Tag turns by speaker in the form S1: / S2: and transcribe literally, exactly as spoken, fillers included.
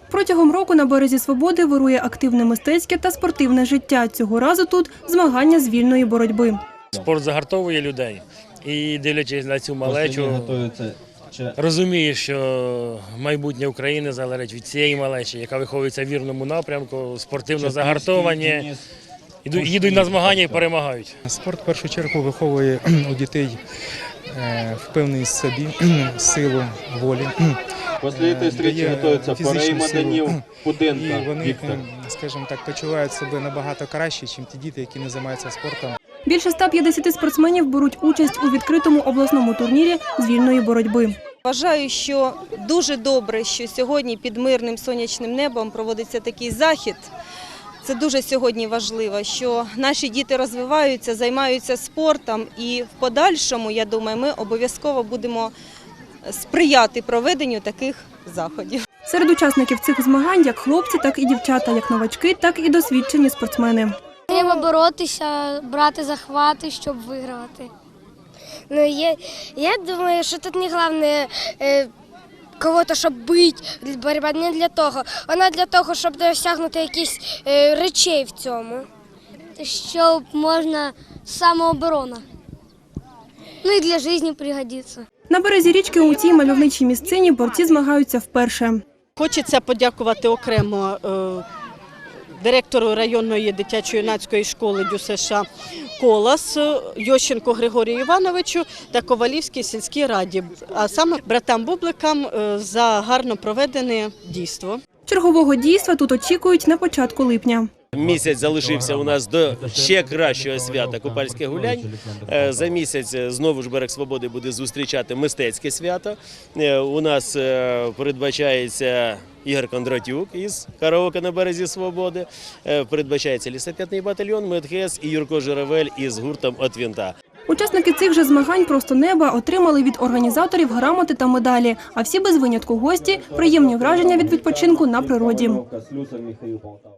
S1: Протягом року на березі Свободи вирує активне мистецьке та спортивне життя. Цього разу тут змагання з вільної боротьби.
S2: Спорт загартовує людей і, дивлячись на цю малечу, розумієш, що майбутнє України залежить від цієї малечі, яка виховується в вірному напрямку, спортивно загартовані, їдуть на змагання і перемагають.
S3: Спорт в першу чергу виховує у дітей впевненість в собі, силу волі.
S4: Після цієї зустрічі готуються Порей Маданів, Пуденко,
S3: і вони,
S4: Віктор.
S3: скажімо так, почувають себе набагато краще, ніж ті діти, які не займаються спортом.
S1: Більше ста п'ятдесяти спортсменів беруть участь у відкритому обласному турнірі з вільної боротьби.
S5: Вважаю, що дуже добре, що сьогодні під мирним сонячним небом проводиться такий захід. Це дуже сьогодні важливо, що наші діти розвиваються, займаються спортом і в подальшому, я думаю, ми обов'язково будемо сприяти проведенню таких заходів.
S1: Серед учасників цих змагань як хлопці, так і дівчата, як новачки, так і досвідчені спортсмени.
S6: Треба боротися, брати захвати, щоб вигравати.
S7: Ну, я, я думаю, що тут не головне е, кого-то, щоб бити, боротьба не для того. Вона для того, щоб досягнути якісь е, речей в цьому.
S6: Щоб можна самооборона. Ну і для життя пригодиться.
S1: На березі річки у цій мальовничій місцині борці змагаються вперше.
S8: Хочеться подякувати окремо е, директору районної дитячо-юнацької школи ДЮСШ «Колос» Йощенку Григорію Івановичу та Ковалівській сільській раді, а саме братам Бубликам е, за гарно проведене дійство.
S1: Чергового дійства тут очікують на початку липня.
S9: Місяць залишився у нас до ще кращого свята – Купальських гулянь. За місяць знову ж Берег Свободи буде зустрічати мистецьке свято. У нас передбачається Ігор Кондратюк із «Караоке на березі Свободи», передбачається лісопетний батальйон «Медхес» і Юрко Журавель із гуртом «От вінта».
S1: Учасники цих же змагань «Просто неба» отримали від організаторів грамоти та медалі, а всі без винятку гості – приємні враження від відпочинку на природі.